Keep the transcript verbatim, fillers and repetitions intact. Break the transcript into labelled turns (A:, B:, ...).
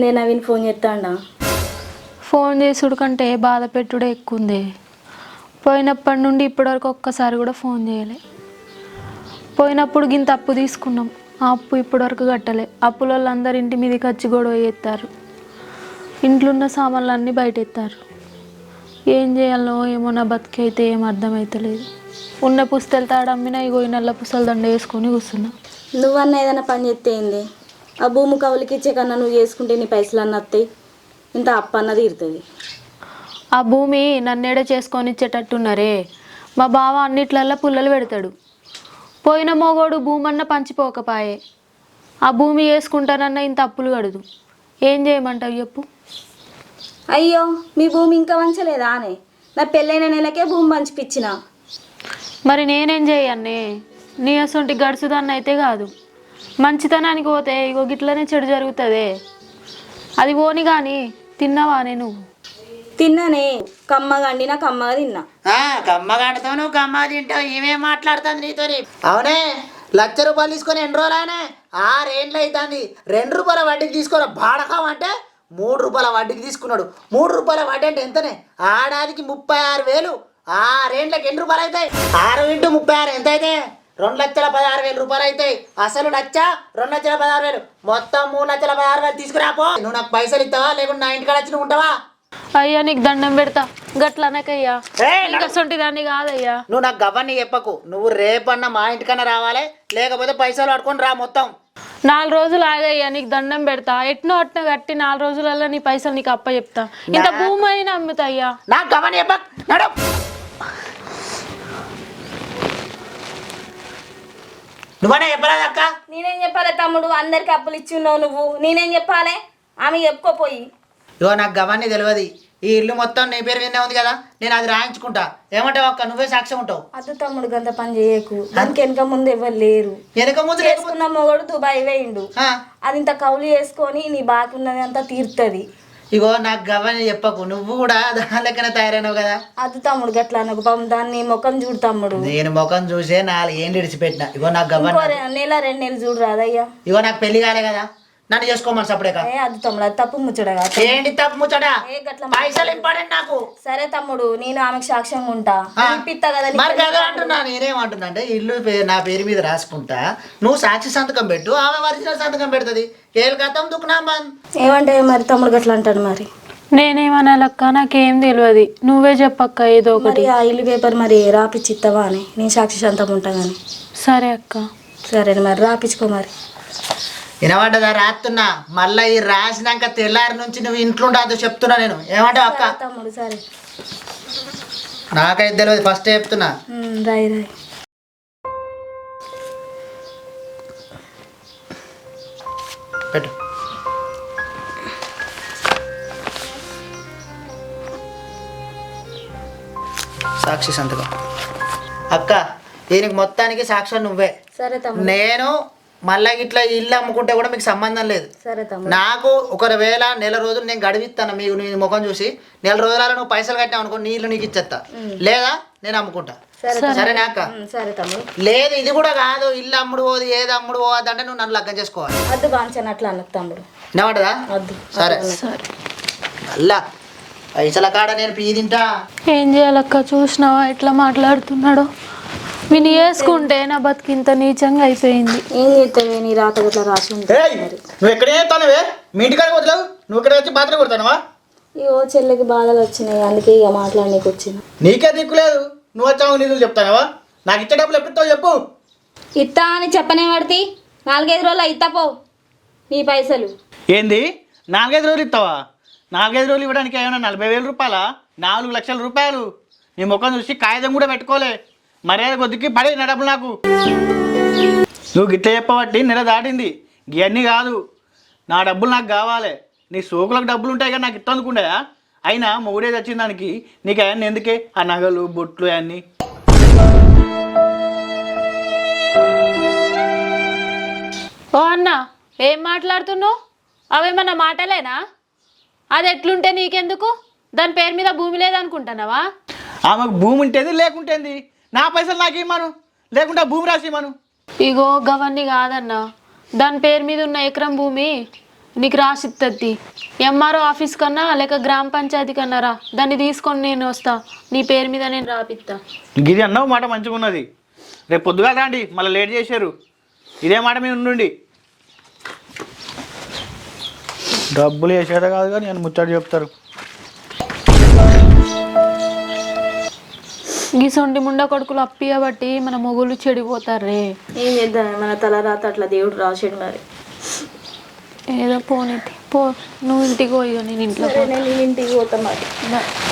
A: ఏమైంది నవీన్ ఫోన్ చేస్తాడా?
B: ఫోన్ చేసుడు కంటే బాధ పెట్టుడే ఎక్కువ ఉంది. పోయినప్పటి నుండి ఇప్పటివరకు ఒక్కసారి కూడా ఫోన్ చేయలే. పోయినప్పుడు గింత అప్పు తీసుకున్నాం, ఆ అప్పు ఇప్పటివరకు కట్టలే. అప్పుల వాళ్ళందరూ ఇంటి మీదకి వచ్చి గొడవ చేస్తారు, ఇంట్లో ఉన్న సామాన్లు అన్నీ బయట ఎత్తారు. ఏం చేయాలో ఏమో, నా బతికి అయితే ఏం అర్థమవుతలేదు. ఉన్న పుస్తలు తాడమ్మినా ఇగో ఈ నల్ల పుస్తల దండ వేసుకొని కూర్చున్నా.
A: నువ్వన్నా ఏదైనా పని చేస్తే ఏంది? ఆ భూమి కవులకి ఇచ్చే కన్నా నువ్వు చేసుకుంటే నీ పైసలు అన్న వస్తాయి, ఇంత అప్పు అన్నది ఇరుతుంది.
B: ఆ భూమి నన్నేడే చేసుకొని ఇచ్చేటట్టున్నారే. మా బావ అన్నిట్లల్లో పుల్లలు పెడతాడు. పోయిన మోగోడు భూమి అన్న పంచిపోకపాయే. ఆ భూమి వేసుకుంటానన్నా ఇంత అప్పులు కడదు. ఏం చేయమంటావు చెప్పు?
A: అయ్యో, మీ భూమి ఇంకా వంచలేదా అనే? నా పెళ్ళైన నెలకే భూమి పంచిపిచ్చిన.
B: మరి నేనేం చేయన్నే? నీ అసొంటి గడుసుదాన్ని అయితే కాదు. మంచితనానికి పోతే ఇగో గిట్లనే చెడు జరుగుతుందే. అది పోని కానీ తిన్నావానే నువ్వు?
A: తిన్నానే, కమ్మగా అండినా కమ్మగా తిన్నా.
C: కమ్మగా అంటుతావు నువ్వు, కమ్మగా తింటావు. ఏమేం మాట్లాడుతుంది నీతో? అవునే, లక్ష రూపాయలు తీసుకొని ఎన్ని రోజులనే? ఆరేండ్లు అవుతుంది. రెండు రూపాయల వడ్డీకి తీసుకొని బాడకం అంటే మూడు రూపాయల వడ్డీకి తీసుకున్నాడు. మూడు రూపాయల వడ్డీ అంటే ఎంతనే? ఆడాదికి ముప్పై ఆరు వేలు. ఆరేండ్లకి ఎన్ని రూపాయలు అవుతాయి? ఆరు ఇంటూ ముప్పై ఆరు ఎంత అయితే? రెండు లక్షల పదహారు వేలు రూపాయలు అవుతాయి. అసలు లక్ష రెండు లక్షల పదహారు వేలు, మొత్తం మూడు లక్షల పదహారు వేలు తీసుకురాపో. నువ్వు నాకు పైసలు ఇస్తావా లేకుంటే నా ఇంటికాడ వచ్చి నువ్వు ఉంటావా?
B: అయ్యా నీకు దండం పెడతా, గట్లనకయ్యా. అసొంటి దాన్ని కాదయ్యా.
C: నువ్వు నాకు గవ్వని చెప్పకు. నువ్వు రేపన్నా మా ఇంటికన్నా రావాలి, లేకపోతే పైసలు పట్టుకొని రా మొత్తం.
B: నాలుగు రోజులు ఆగయ్యా, నీకు దండం పెడతా. ఎట్నో అట్న కట్టి నాలుగు రోజులలో నీ పైసలు నీకు అప్ప చెప్తా. ఇంత భూమి అయినా అమ్ముతాయ్యా.
C: నాకు గవ్వని చెప్పకు. నడు. నువ్వనే చెప్పరాదు అక్క.
A: నేనేం చెప్పాలి తమ్ముడు? అందరికి అప్పులు ఇచ్చి ఉన్నావు నువ్వు, నేనేం చెప్పాలి? ఆమె చెప్పుకోపోయి.
C: ఇగో నాకు గవ్వని తెలియదు. ఈ ఇల్లు మొత్తం నీ పేరు విన్నే ఉంది కదా, నేను అది రాయించుకుంటా. ఏమంటావు అక్క? నువ్వే సాక్ష్యం ఉంటావు.
A: అద్దు తమ్ముడు, గంత పని చేయకు. దానికి వెనక ముందు ఎవరు లేరు.
C: వెనక ముందు
A: చేసుకున్న మొగడు దుబాయ్ వేయిండు. అది ఇంత కౌలు వేసుకొని నీ బాకి ఉన్నది అంతా తీరుతుంది.
C: ఇగో నాకు గవ్వని చెప్పకు. నువ్వు కూడా దాని లెక్కన తయారైనావు కదా.
A: అది తమ్ముడు గట్లా అనకు. పాపం దాన్ని ముఖం చూడు తమ్ముడు.
C: నేను ముఖం చూసే నాలుగు ఏంటి విడిచిపెట్టిన. ఇగో నాకు గవ్వని
A: నెల రెండు నెలలు చూడు రాదయ్యా.
C: ఇగో నాకు పెళ్లి కాలే కదా, నన్ను చేసుకోమని సపడే కదా.
A: అది తమ్ముడు, అది తప్పు ముచ్చడగా.
C: ఏంటి తప్పు ముచ్చడా? పైసలు ఇంపార్టెంట్ నాకు.
A: సరే తమ్ముడు, నేను ఆమెకు సాక్ష్యంగా ఉంటా. ఇప్పిస్తా కదా.
C: మరి కదా అంటున్నా. నేనేమంటున్నా అంటే ఇల్లు నా పేరు మీద రాసుకుంటా, నువ్వు సాక్షి సంతకం పెట్టు, ఆమె ఒరిజినల్ సంతకం పెడుతుంది. ఏళ్ళు గతం దుక్కునా
A: ఏమంటే మరి తమ్ముడు గట్లా అంటాడు. మరి
B: నేనేమనాలక్క? నాకేం తెలియదు, నువ్వే చెప్పక్క ఏదో ఒకటి.
A: ఆ ఇల్లు పేపర్ మరి రాపిచ్చిస్తావా అని? నేను సాక్షి సంతకం ఉంటా కానీ.
B: సరే అక్క.
A: సరే మరి రాపించుకో. మరి
C: వినబడ్డదా? రాస్తున్నా. మళ్ళీ ఈ రాసినాక తెల్లారి నుంచి నువ్వు ఇంట్లో ఉండదు చెప్తున్నా నేను. ఏమంటావు అక్క?
A: తమ్ముడు సరే.
C: నాకైతే తెలియదు, ఫస్ట్ చెప్తున్నా.
A: రాయి రాయి.
C: పెట్టు. సాక్షి సంతకం. అక్క దీనికి మొత్తానికి సాక్ష్యం నువ్వే.
A: సరే తమ్ముడు.
C: నేను మళ్ళీ ఇట్లా ఇల్లు అమ్ముకుంటే కూడా మీకు సంబంధం లేదు.
A: సరే తమ్ముడు.
C: నాకు ఒకవేళ నెల రోజులు నేను గడివిస్తాను మీకు, నీ ముఖం చూసి నెల రోజులలో నువ్వు పైసలు కట్టినావు అనుకో, నీళ్ళు నీకు ఇచ్చేస్తా, లేదా నేను అమ్ముకుంటా. సరేనా అక్క?
A: సరే తమ్ముడు.
C: లేదు ఇది కూడా కాదు, ఇల్లు అమ్ముడు పోదు, ఏది అమ్ముడు పోదు అంటే నువ్వు నన్ను లగ్గం చేసుకోవాలి.
A: అద్దు బాంచనట్లు అన్నకు తమ్ముడు.
C: వినబడదా? సరే అల్లా పైసల కాడ నేను పీ తింటా.
B: ఏం చేయాలక్క? చూసినావా ఎట్లా మాట్లాడుతున్నాడో? విని వేసుకుంటే నా బతికింత నీచంగా అయిపోయింది.
A: ఏం చేస్తావే, నీ రాత గట్లా రాసి ఉంటుంది.
C: నువ్వు ఎక్కడ చేస్తానవే? మీ ఇంటికాడ వదలవు, నువ్వు ఇక్కడ వచ్చి బాత్ర కొడతానవా?
A: ఇగో చెల్లెకి బాధలు వచ్చినాయి, అందుకే ఇక మాట్లాడనీకి వచ్చిన.
C: నీకే దిక్కులేదు, నువ్వు వచ్చావు నిధులు చెప్తానవా? నాకు ఇచ్చే డబ్బులు ఎప్పుడు చెప్పు.
A: ఇత్తా అని చెప్పనే పడితే నాలుగైదు రోజులు ఇత్తా పో నీ పైసలు.
D: ఏంది నాలుగైదు రోజులు ఇస్తావా? నాలుగైదు రోజులు ఇవ్వడానికి ఏమైనా నలభై వేల రూపాయలా? నాలుగు లక్షల రూపాయలు. నీ ముఖం చూసి కాగితం కూడా పెట్టుకోలే. మర్యాద కొద్దికి పడే నా డబ్బులు నాకు. నువ్వు గిట్ల చెప్పబట్టి నెల దాటింది. ఇవన్నీ కాదు, నా డబ్బులు నాకు కావాలి. నీ సోకులకు డబ్బులు ఉంటాయి కానీ నాకు ఇట్ట అందుకుంటాయా? అయినా మొగుడే తెచ్చిన దానికి నీకు అవన్నీ ఎందుకే? ఆ నగలు బొట్లు అవన్నీ.
B: ఓ అన్న, ఏం మాట్లాడుతున్నావు? అవేమన్నా మాటలేనా? అది ఎట్లుంటే నీకెందుకు? దాని పేరు మీద భూమి లేదనుకుంటున్నావా?
D: ఆమెకు భూమి ఉంటేది లేకుంటేంది, నా పైసలు నాకు ఇమ్మను, లేకుంటే భూమి రాసి ఇమ్మను.
B: ఇగో గవన్నీ కాదన్నా, దాని పేరు మీద ఉన్న ఎకరం భూమి నీకు రాసిత్తది ఎంఆర్ఓ ఆఫీస్ కన్నా లేక గ్రామ పంచాయతీ కన్నారా దాన్ని తీసుకొని నేను వస్తా నీ పేరు మీద నేను రాపిస్తా.
D: గిది అన్నావు మాట మంచిగా ఉన్నది. రేపు పొద్దుగా రాండి, మళ్ళీ లేట్ చేశారు. ఇదే మాట మీద ఉండండి. డబ్బులు వేసేదా కాదు కానీ నేను ముచ్చట చెప్తారు.
B: ఈ సొంటి ముండ కొడుకులు అప్పియబట్టి మన మొగులు చెడిపోతారే.
A: ఏం చేద్దాం, మన తల రాత అట్లా దేవుడు రాసాడు మరి.
B: ఏదో పోనీ పో, నువ్వు ఇంటికి పోయి నేను ఇంట్లో
A: నేను ఇంటికి పోతా మరి.